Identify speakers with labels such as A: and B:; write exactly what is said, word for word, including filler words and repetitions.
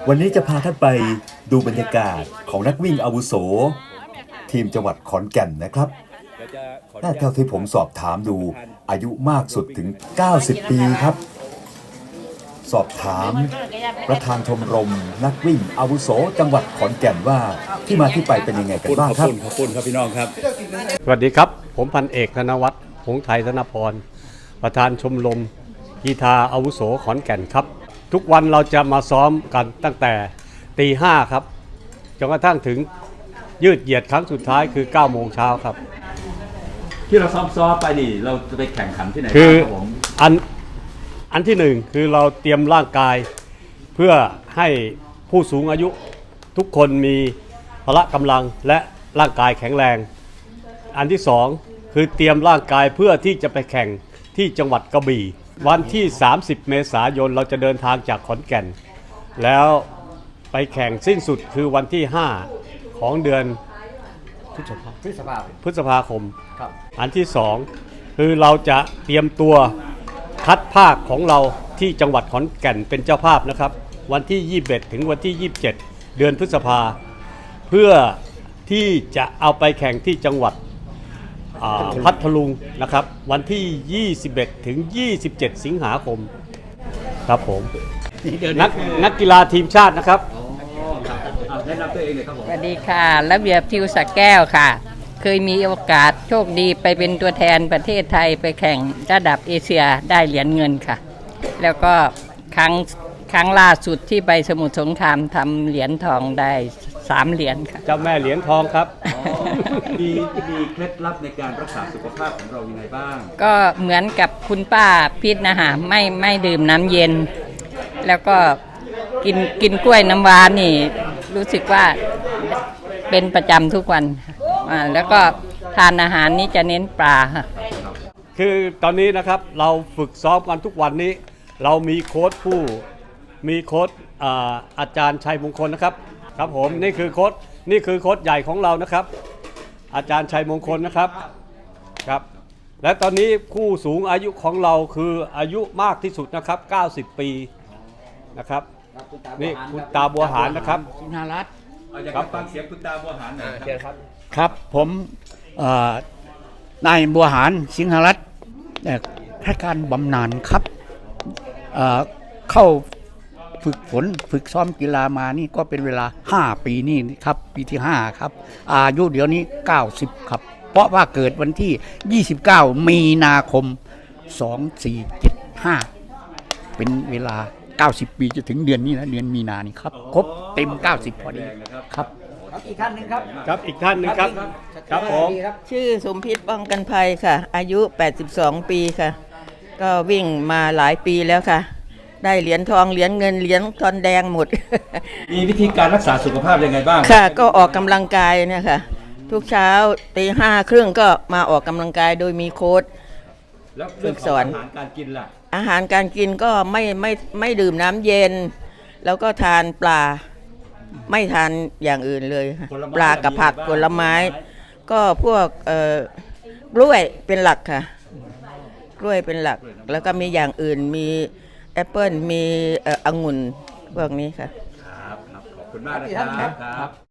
A: วันนี้จะพาท่านไปดูบรรยากาศของนักวิ่งอาวุโสทีมจังหวัดขอนแก่นนะครับถ้าเท่าที่ผมสอบถามดูอายุมากสุดถึงเก้าสิบปีครับสอบถามประธานชมรมนักวิ่งอาวุโสจังหวัดขอนแก่นว่าที่มาที่ไปเป็นยังไงกันบ้างครับ
B: ขอบคุณครับพี่น้องครับ
C: สวัสดีครับผมพันเอกธนวัฒน์หงส์ไทยธนพรประธานชมรมกีฬาอาวุโสขอนแก่นครับทุกวันเราจะมาซ้อมกันตั้งแต่ตีห้าครับจนกระทั่งถึงยืดเหยียดครั้งสุดท้ายคือเก้าโมงเช้าครับ
B: ที่เราซ้อมซ้อมไปนี่เราจะไปแข่งขันที่ไหน
C: คือ
B: ครับผม
C: อันอันที่หนึ่งคือเราเตรียมร่างกายเพื่อให้ผู้สูงอายุทุกคนมีพละกำลังและร่างกายแข็งแรงอันที่สองคือเตรียมร่างกายเพื่อที่จะไปแข่งที่จังหวัดกระบี่วันที่สามสิบเมษายนเราจะเดินทางจากขอนแก่นแล้วไปแข่งสิ้นสุดคือวันที่ห้าของเดือนพฤษภาพฤษภาพฤษภาคมครับอันที่สองคือเราจะเตรียมตัวคัดภาคของเราที่จังหวัดขอนแก่นเป็นเจ้าภาพนะครับวันที่ยี่สิบเอ็ดถึงวันที่ยี่สิบเจ็ดเดือนพฤษภาเพื่อที่จะเอาไปแข่งที่จังหวัดพัทลุงนะครับวันที่ยี่สิบเอ็ดถึงยี่สิบเจ็ดสิงหาคมครับผมนักนักกีฬาทีมชาตินะครับ
B: แนะนำตัวเองเลยครับผม
D: สวัสดีค่ะระเบียบทิวสักแก้วค่ะเคยมีโอกาสโชคดีไปเป็นตัวแทนประเทศไทยไปแข่งระดับเอเชียได้เหรียญเงินค่ะแล้วก็ครั้งครั้งล่าสุดที่ไปสมุทรสงครามทำเหรียญทองได้สามเหรียญค่ะ
C: เจ้าแม่เหรียญทองครับ
B: มีมีเคล็ดลับในการรักษาสุขภาพของเรายังไงบ้าง
D: ก็เหมือนกับคุณป้าพิษนะคะไม่ไม่ดื่มน้ำเย็นแล้วก็กินกินกล้วยน้ำว้านี่รู้สึกว่าเป็นประจำทุกวันอ่าแล้วก็ทานอาหารนี้จะเน้นปลาค่ะ
C: คือตอนนี้นะครับเราฝึกซ้อมกันทุกวันนี้เรามีโค้ชผู้มีโค้ช อ่า อาจารย์ชัยมงคลนะครับครับผมนี่คือโค้ชนี่คือโค้ชใหญ่ของเรานะครับอาจารย์ชัยมงคลนะครับครับและตอนนี้ผู้สูงอายุของเราคืออายุมากที่สุดนะครับเก้าสิบปีนะครับนี่คุณตาบัวหารนะครับ
B: สิงหารัตน์อยากจะฟังเสียงคุณตาบัวหารหน่อยครับ
E: ครับผมนายบัวหารสิงหรัตน์ข้าราชการบำนาญครับเ, เข้าฝึกฝนฝึกซ้อมกีฬามานี่ก็เป็นเวลาห้าปีนี่ครับปีที่ห้าครับอายุเดี๋ยวนี้เก้าสิบครับเพราะว่าเกิดวันที่ยี่สิบเก้ามีนาคมสองสี่เจ็ดห้าเป็นเวลาเก้าสิบปีจะถึงเดือนนี้นะเดือนมีนานี่ครับครบเต็มเก้าสิบพอดีครับ
F: อีกท่านหนึ่งครับ
C: ครับอีกท่านหนึ่งครับครับผม
F: ชื่อสมพิษป้องกันภัยค่ะอายุแปดสิบสองปีค่ะก็วิ่งมาหลายปีแล้วค่ะได้เหรียญทองเหรียญเงินเหรียญทองแดงหมด
B: มีวิธีการรักษาสุขภาพยังไงบ้าง
F: ค่ะก็ออกกำลังกายเนี่ยค่ะทุกเช้าตีห้าครึ่งก็มาออกกำลังกายโดยมีโค้ชฝึกสอน
B: อาหารการกินล่ะ
F: อาหารการกินก็ไม่ไม่ไม่ดื่มน้ำเย็นแล้วก็ทานปลาไม่ทานอย่างอื่นเลยปลากับผักผลไม้ก็พวกเอ่อกล้วยเป็นหลักค่ะกล้วยเป็นหลักแล้วก็มีอย่างอื่นมีแอปเปิ้ลมีเอ่อองุ่นพวกนี้ค่ะ
B: ครับขอบคุณมากนะครับ